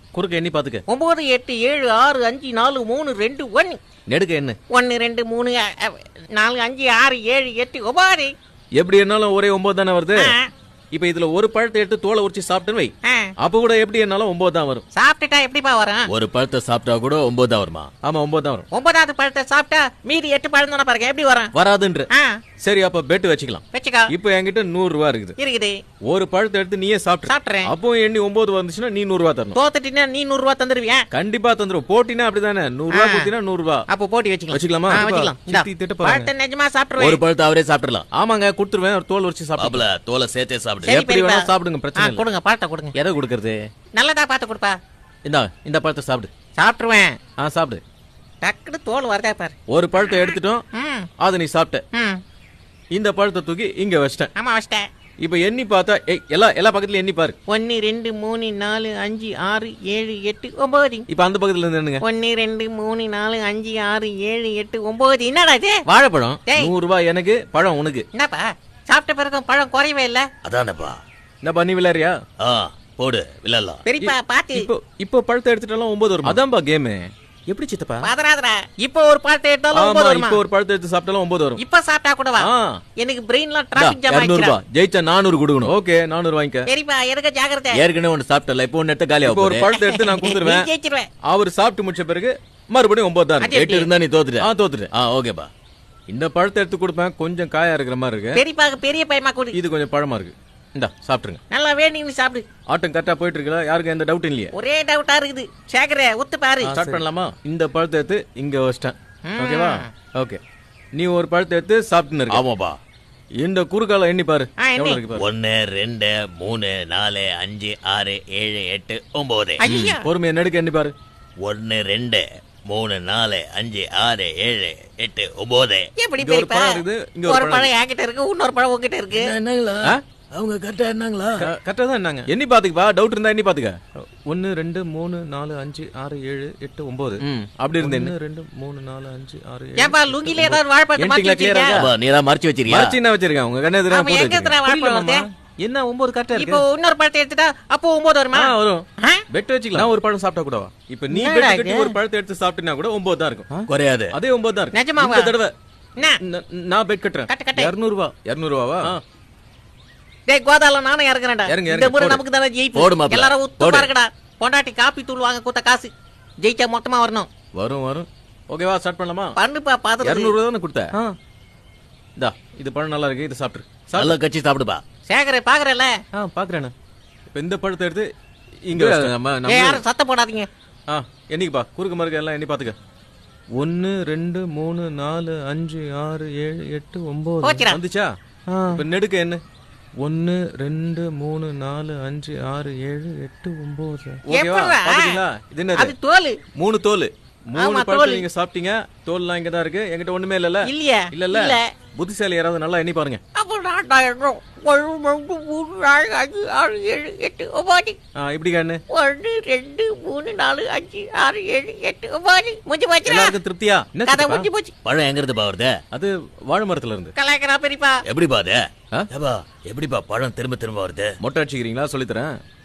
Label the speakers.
Speaker 1: குறுக்க எண்ணி பாத்துக்க.
Speaker 2: 9 8 7 6 5 4 3 2 1.
Speaker 1: நெடுக்க என்ன?
Speaker 2: 1 2 3 4 5 6 7 8 9.
Speaker 1: எப்படி என்னாலும் ஒரே 9 தானே வருது. இப்ப இதுல ஒரு பழத்தை எடுத்து தோலை உரிச்சு சாப்பிட்டுன்னு வை. அப்ப கூட எப்படி என்னாலும் 9 தான் வரும்.
Speaker 2: சாப்பிட்டுட்டா எப்படிப்பா வரும்?
Speaker 3: ஒரு பழத்தை சாப்பிட்டா கூட 9 தான் வருமா?
Speaker 1: ஆமா 9 தான் வரும்.
Speaker 2: 9வது பழத்தை சாப்பிட்டா மீதி 8 பழம் தானே பாருங்க, எப்படி வரும்?
Speaker 1: வராதுன்ற. சரி அப்ப பெட் வச்சுக்கலாம்.
Speaker 2: வச்சுக்கோ.
Speaker 1: இப்ப என்கிட்ட 100 ரூபாய் இருக்குது. ஒரு பழத்தை எடுத்து நீயே
Speaker 2: சாப்பிட்டுறேன்.
Speaker 1: அப்போ எண்ணி 9 வந்துச்சுன்னா நீ 100 ரூபாய் தரணும்.
Speaker 2: தோத்துட்டீங்கன்னா நீ 100 ரூபாய் தந்துருவியா?
Speaker 1: கண்டிப்பா தந்துரும். போட்டினா அப்படிதானே 100 ரூபாய் கொடுத்தீனா 100 ரூபாய்.
Speaker 2: அப்போ போட்டி வச்சுக்கலாமா? பழத்தை நிஜமா சாப்பிடுறேன்.
Speaker 3: ஒரு பழத்தை அவரே சாப்பிடலாம்.
Speaker 1: ஆமாங்க கொடுத்துருவேன். ஒரு தோல் உரிச்சு சாப்பிடல. தோலை சேர்த்தே சாப்பிடு. எப்படி வேணா சாப்பிடுங்க, பிரச்சனை இல்ல.
Speaker 2: கொடுங்க பழத்தை கொடுங்க.
Speaker 1: எதை கொடுக்கறது?
Speaker 2: நல்லதா பார்த்து கொடுப்பா.
Speaker 1: இந்த பழத்தை சாப்பிடு.
Speaker 2: சாப்பிட்டுருவேன்.
Speaker 1: சாப்பிடு.
Speaker 2: டக்குனு தோல் வரதா பாரு.
Speaker 1: ஒரு பழத்தை எடுத்துட்டோம், அதை நீ சாப்பிட்ட. இந்த பழத்தை தூக்கி இங்க வச்சிட்டேன்.
Speaker 2: ஆமா வச்சிட்டேன்.
Speaker 1: இப்ப எண்ணி பார்த்தா எல்லா பக்கத்துல எண்ணி பாரு.
Speaker 2: 1 2 3 4 5 6 7 8 9.
Speaker 1: இப்ப அந்த பக்கத்துல இருந்து என்னங்க?
Speaker 2: 1 2 3 4 5 6 7 8 9. என்னடா இது?
Speaker 1: வாழைப்பழம். 100 ரூபாய் எனக்கு, பழம் உனக்கு.
Speaker 2: என்னப்பா சாப்பிட்ட பிறகு பழம் குறையவே இல்ல.
Speaker 3: அதானப்பா.
Speaker 1: என்னப்பா நீ விளையாடுறியா?
Speaker 3: போடு விளையாடலாம்.
Speaker 2: பெரியப்பா பாத்து.
Speaker 1: இப்போ பழத்தை எடுத்துட்டாலும் 9 வரும். அதான்பா கேம். எப்படி சித்தப்பா?
Speaker 2: பாதராதரா. இப்போ ஒரு பழத்தை எடுத்தாலும் 9 வரும்.
Speaker 1: இப்போ ஒரு பழத்தை எடுத்து சாப்பிட்டாலும் 9 வரும்.
Speaker 2: இப்ப சாப்பிட்டா கூட வா. எனக்கு பிரெயின்ல டிராபிக் ஜாம் ஆயிடுச்சு.
Speaker 1: 200 ரூபாய் ஜெயிச்சா 400 கொடுக்கணும். ஓகே 400 வாங்கிக்க.
Speaker 2: பெரியப்பா எனக்கு ஜாக்கிரதை.
Speaker 3: ஏற்கனவே ஒன்னு சாப்பிட்டல, இப்போ ஒன்னு எடுத்து காலியா
Speaker 1: இப்போ ஒரு பழத்தை எடுத்து நான் கொடுத்துருவேன்.
Speaker 2: ஜெயிச்சிடுவேன்.
Speaker 1: அவர் சாப்பிட்டு முடிச்ச பிறகு மறுபடியும் 9 தான்.
Speaker 3: 8 இருந்தா நீ தோத்துட்ட.
Speaker 1: தோத்துட்டேன்.
Speaker 3: ஓகேப்பா.
Speaker 1: இந்த பழத்தை எடுத்து கொடுப்பேன். கொஞ்சம் காயா இருக்கிற மாதிரி இருக்கு.
Speaker 2: பெரியப்பா பெரிய பையமா கொடு.
Speaker 1: இது கொஞ்சம் பழமா இருக்கு. இந்தா சாப்பிட்டுருங்க.
Speaker 2: நல்லா வேணும்னு சாப்பிடு.
Speaker 1: ஆட்டம் கரெக்டா போயிட்டு இருக்கல, யாருக்கும் எந்த டவுட் இல்லையே?
Speaker 2: ஒரே டவுட்டா இருக்குது. சேகரே ஒத்து பாரு.
Speaker 1: ஸ்டார்ட் பண்ணலாமா? இந்த பழத்தை எடுத்து இங்க வச்சிட்டேன். ஓகேவா? ஓகே. நீ ஒரு பழத்தை எடுத்து சாப்பிட்டுன்னு இருக்க.
Speaker 3: ஆமாப்பா.
Speaker 1: இந்த குறுக்கால எண்ணி பாரு. எவ்வளவு இருக்கு பாரு.
Speaker 3: 1 2 3 4 5 6 7 8 9.
Speaker 1: பொறுமையா நெடுக்க எண்ணி பாரு.
Speaker 3: 1 2 3 4 5 6 7 8 9.
Speaker 2: எப்படி பெரியப்பா? ஒரு பழம் என்கிட்ட இருக்கு, இன்னொரு பழம் உங்ககிட்ட இருக்கு.
Speaker 3: என்னங்களா? அவங்க கரெக்டா என்னங்களா?
Speaker 1: கரெக்டா தான் என்னங்க? எண்ணி பாத்துக்கப்பா. டவுட் இருந்தா எண்ணி பாத்துக்க. 1 2 3 4 5 6 7 8 9. அப்படி இருந்தே 1 2 3 4 5 6 7.
Speaker 2: ஏப்பா லுங்கில ஏதாவது வாழைப்பழம் மாத்தி வச்சிருக்கியா?
Speaker 3: நீ தான் மறைச்சு வச்சிருக்கியா?
Speaker 1: மறைச்சு என்ன வச்சிருக்கேன்? உங்க கண்ணே தெரியாம போட்டு.
Speaker 2: எங்க எத்தனை வாழைப்பழம்?
Speaker 1: என்ன 9 கரெக்டா இருக்கு.
Speaker 2: இப்போ இன்னொரு பழத்தை எடுத்துட்டா அப்போ 9 வருமா?
Speaker 1: வரும். பெட் வச்சுக்கலாம். நான் ஒரு பழம் சாப்பிட்டா கூடவா? இப்போ நீ பெட் கட்டி ஒரு பழத்தை எடுத்து சாப்பிட்டினா கூட 9 தான் இருக்கும்.
Speaker 3: குறையாது.
Speaker 1: அதே 9 தான் இருக்கு.
Speaker 2: நிஜமாவா?
Speaker 1: இந்த தடவை நான் பெட் கட்டுறேன். 200 ரூபாய். 200 ரூபாவா?
Speaker 2: டேய் கோதால நானே இறங்குறேன்டா. இந்த முறை நமக்கு தான ஜெயிப்பு. எல்லாரும் உத்து பாருங்கடா. பொண்டாட்டி காப்பி தூள் வாங்க கொடுத்த காசு ஜெயிச்சா மொத்தமா வரணும்.
Speaker 1: வரும். ஓகேவா? ஸ்டார்ட் பண்ணலாமா?
Speaker 2: பண்ணுப்பா பாத்து.
Speaker 1: 200 ரூபாய் தான கொடுத்த. இந்தா இது பழம் நல்லா இருக்கு. இத சாப்பிடு.
Speaker 3: நல்லா கச்சி சாப்பிடுப்பா.
Speaker 2: சேகரே பாக்குறல?
Speaker 1: பாக்குறேன். இப்போ இந்த பழத்தை எடுத்து இங்க நம்ம
Speaker 2: யாரும் சத்தம் போடாதீங்க.
Speaker 1: என்னைக்குப்பா குறுக்கு மறுக்க எல்லாம் எண்ணி பாத்துக்க. 1 2 3 4 5 6 7 8 9 வந்துச்சா? இப்ப நெடுக்க என்ன? 1 2 3 4 5 6 7 8 9. ஓகேவா? பாத்தீங்களா? இது என்னது?
Speaker 2: அது தோல்.
Speaker 1: 3 தோல். 3 பழத்தை நீங்க சாப்பிட்டீங்க. தோல்லாம் இங்க தான் இருக்கு. என்கிட்ட ஒண்ணுமே இல்லல. இல்ல. புத்திசாலி யாராவது நல்லா எண்ணி பாருங்க.
Speaker 2: அப்போ நான் 1 2 3 4 5 6 7 8 9.
Speaker 1: இப்படி கண்ணு.
Speaker 2: 1 2 3 4 5 6 7 8 9. முடிஞ்சு போச்சு.
Speaker 1: எல்லாருக்கும் திருப்தியா?
Speaker 2: கதை முடிஞ்சு போச்சு.
Speaker 3: பழம் எங்க இருந்து வருது?
Speaker 1: அது வாழை மரத்துல இருந்து.
Speaker 2: கலாய்க்கறா பெரியப்பா.
Speaker 3: எப்படிப்பா அது? எப்படிப்பா பழம் திரும்ப வருது?
Speaker 1: மொட்டை அடிச்சுக்கிறீங்களா? சொல்லித்தரேன்.